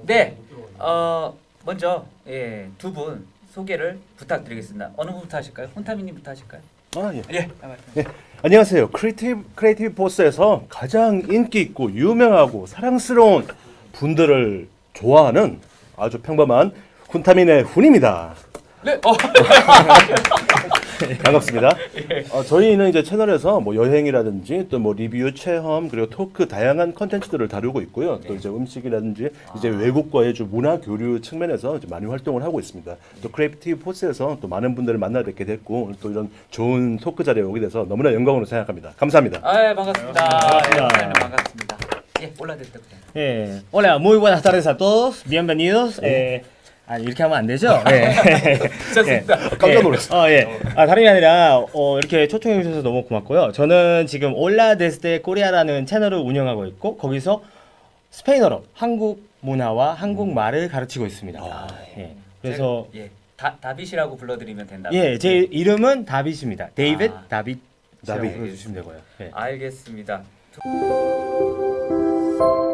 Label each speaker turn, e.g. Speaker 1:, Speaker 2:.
Speaker 1: 네, 먼저 두 분 소개를 부탁드리겠습니다. 어느 분부터 하실까요? 혼타미님부터 하실까요?
Speaker 2: 아 예.
Speaker 1: 예.
Speaker 2: 예. 안녕하세요. 크리에이티브 포스에서 가장 인기 있고 유명하고 사랑스러운 분들을 좋아하는 아주 평범한 훈타민의 훈입니다.
Speaker 1: 네.
Speaker 2: 반갑습니다. 저희는 이제 채널에서 뭐 여행이라든지 또 뭐 리뷰, 체험 그리고 토크 다양한 컨텐츠들을 다루고 있고요. 또 이제 음식이라든지 이제 외국과의 좀 문화 교류 측면에서 이제 많이 활동을 하고 있습니다. 또 크리에이티브 포스에서 또 많은 분들을 만나 뵙게 됐고 오늘 또 이런 좋은 토크 자리에 오게 돼서 너무나 영광으로 생각합니다. 감사합니다.
Speaker 1: 아, 반갑습니다.
Speaker 3: 반갑습니다.
Speaker 1: 예, 반갑습니다. 예, 올라들 때부터.
Speaker 3: Hola, muy buenas tardes a todos. Bienvenidos. 이렇게 하면 안 되죠? 네.
Speaker 1: 좋습니다.
Speaker 2: 깜짝 놀랐어.
Speaker 3: 다름이 아니라 이렇게 초청해 주셔서 너무 고맙고요. 저는 지금 올라 데스데 코리아라는 채널을 운영하고 있고 거기서 스페인어로 한국 문화와 한국말을 가르치고 있습니다. 그래서
Speaker 1: 다빗이라고 불러드리면 된다.
Speaker 3: 제 이름은 다빗입니다. 데이빗 다빗이라고
Speaker 2: 다빗.
Speaker 3: 불러주시면 되고요.
Speaker 1: 알겠습니다.